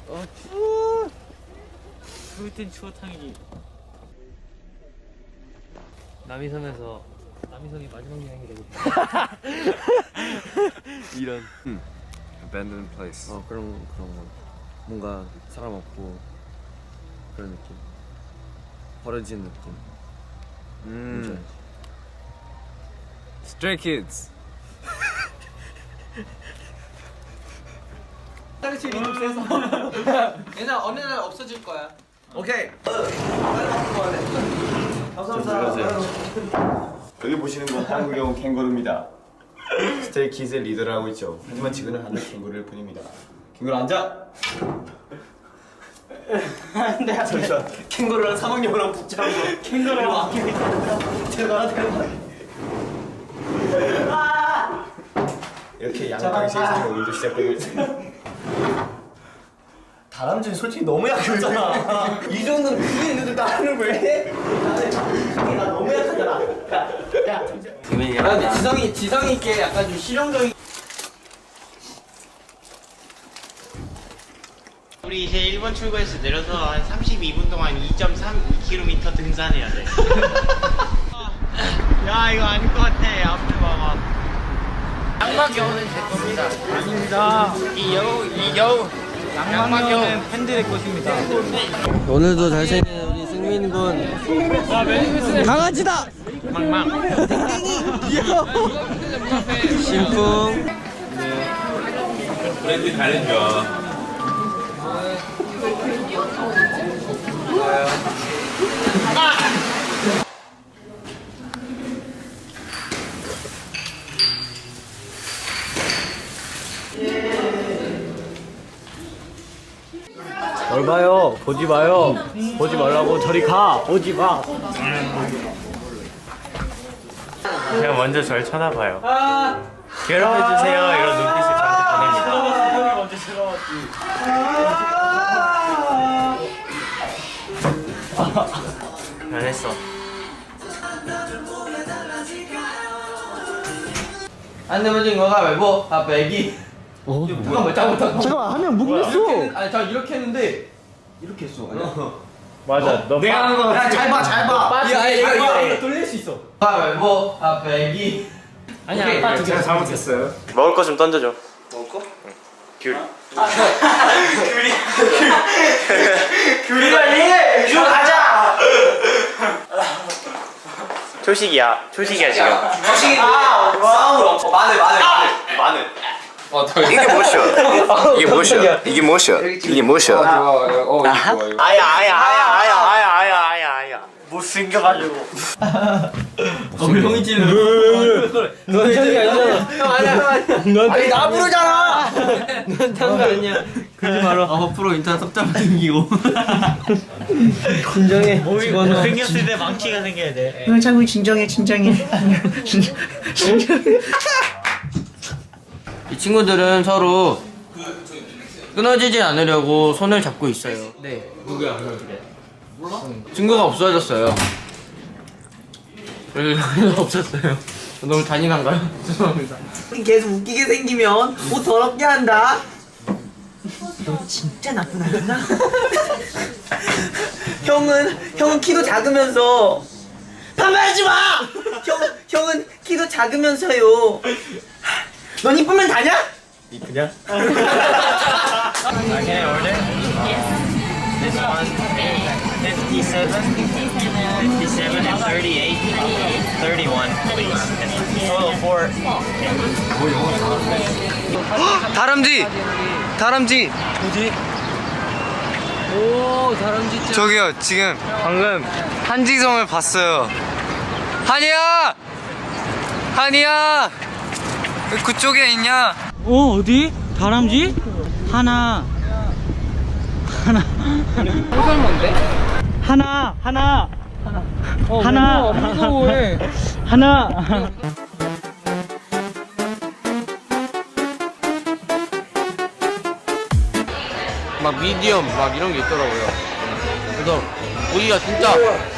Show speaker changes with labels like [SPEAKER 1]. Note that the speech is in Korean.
[SPEAKER 1] 추워. 추울 땐 추어탕이지. 남이섬이 마지막 여행이 되겠다.
[SPEAKER 2] 이런 abandoned place. 그런 거. 뭔가 사람 없고 그런 느낌. 버려진 느낌. Stray Kids.
[SPEAKER 3] 화장실이 좀 세서 얘는 어느 날 없어질 거야.
[SPEAKER 2] 오케이.
[SPEAKER 4] 여기 보시는 건 한국에 온 캥거루입니다. 스테이 키즈의 리더를 하고 있죠. 하지만 지금은 한국 캥거루일 뿐입니다. 캥거루 앉아.
[SPEAKER 3] 안돼
[SPEAKER 4] 잠시만. 캥거루랑 사막여우랑 붙잡고
[SPEAKER 3] 캥거루를 아끼고 있다. 제가
[SPEAKER 4] 이렇게 양강시에서 오늘도 시작되고 있어요. 다람쥐는 솔직히 너무 약하잖아. 이 정도는 그게 있는데 나는 왜 해? 나 너무 약하잖아. 야,
[SPEAKER 3] 근데 지성이 있게 약간 좀 실용적인.
[SPEAKER 5] 우리 이제 1번 출구에서 내려서 한 32분 동안 2.32km 등산해야 돼. 야 이거 아닐 것 같아. 앞에 봐봐. 양막여우는 제 겁니다.
[SPEAKER 1] 아닙니다. 양막여우는 팬들의 것입니다.
[SPEAKER 2] 오늘도 잘생긴 우리 승민 군. 강아지다.
[SPEAKER 5] 망망.
[SPEAKER 2] 신풍.
[SPEAKER 6] 브랜드 가려줘.
[SPEAKER 1] 뭘 봐요? 보지 마요. 보지 말라고. 저리 가. 보지 마.
[SPEAKER 5] 그냥 먼저 절 쳐다봐요. 괴롭혀주세요. 이런 눈빛을 저한테 보냅니다. 변했어.
[SPEAKER 3] 안 되면 진 거가 말고 아 배기. 누가 뭐 잘못한 거?
[SPEAKER 2] 잠깐만 한 명 묵었어.
[SPEAKER 3] 아니 저 이렇게 했는데 이렇게 했어. 아니야?
[SPEAKER 1] 맞아. 너
[SPEAKER 2] 내가 하는 거.
[SPEAKER 3] 잘 봐, 잘 봐.
[SPEAKER 1] 이거 돌릴 수 있어.
[SPEAKER 3] 아 말고 아 배기.
[SPEAKER 1] 아니야. 아빠
[SPEAKER 4] 제가 잘못했어요.
[SPEAKER 5] 먹을 거 좀 던져줘.
[SPEAKER 3] 먹을 거?
[SPEAKER 5] 귤.
[SPEAKER 3] 귤이 빨리 귤 가자.
[SPEAKER 5] 초식이야. 초식이야 지금.
[SPEAKER 3] 주식이 와우. 마늘.
[SPEAKER 4] 이게 무엇이야? 이게 무엇이야? 이게 무엇이야? 이게 무엇이야?
[SPEAKER 5] 아야. 못생겨가지고.
[SPEAKER 3] 형이 찌는.
[SPEAKER 1] 넌 저기 아니잖아.
[SPEAKER 3] 형 아니야.
[SPEAKER 1] 넌
[SPEAKER 3] 나 부르잖아.
[SPEAKER 1] 넌 tan거 아니야. 그러지 마라.
[SPEAKER 3] 앞으로 인터넷 섭잡을 생기고.
[SPEAKER 1] 진정해.
[SPEAKER 5] 생겼을 때 망치가 생겨야 돼.
[SPEAKER 3] 형 자꾸 진정해. 이 친구들은 서로 끊어지지 않으려고 손을 잡고 있어요. 네. 누구야? 몰라? 친구가 없어졌어요. 없었어요. 너무 잔인한가요? 죄송합니다. 계속 웃기게 생기면 옷 더럽게 한다. 너 진짜 나쁜 아이구나. 형은 키도 작으면서 반말하지 마. 형은 키도 작으면서요. 넌 이쁘면 다냐?
[SPEAKER 5] 이쁘냐? Can I order? This one, 57 and 38, 31, please. And total 4.
[SPEAKER 2] 다람쥐.
[SPEAKER 1] 뭐지? 오, 다람쥐.
[SPEAKER 2] 저기요 지금 방금 한지성을 봤어요. 한이야 왜 그쪽에 있냐?
[SPEAKER 1] 어디? 다람쥐? 하나. 무서워해. 하나.
[SPEAKER 2] 막 미디엄 막 이런 게 있더라고요. 그래서 보기가 진짜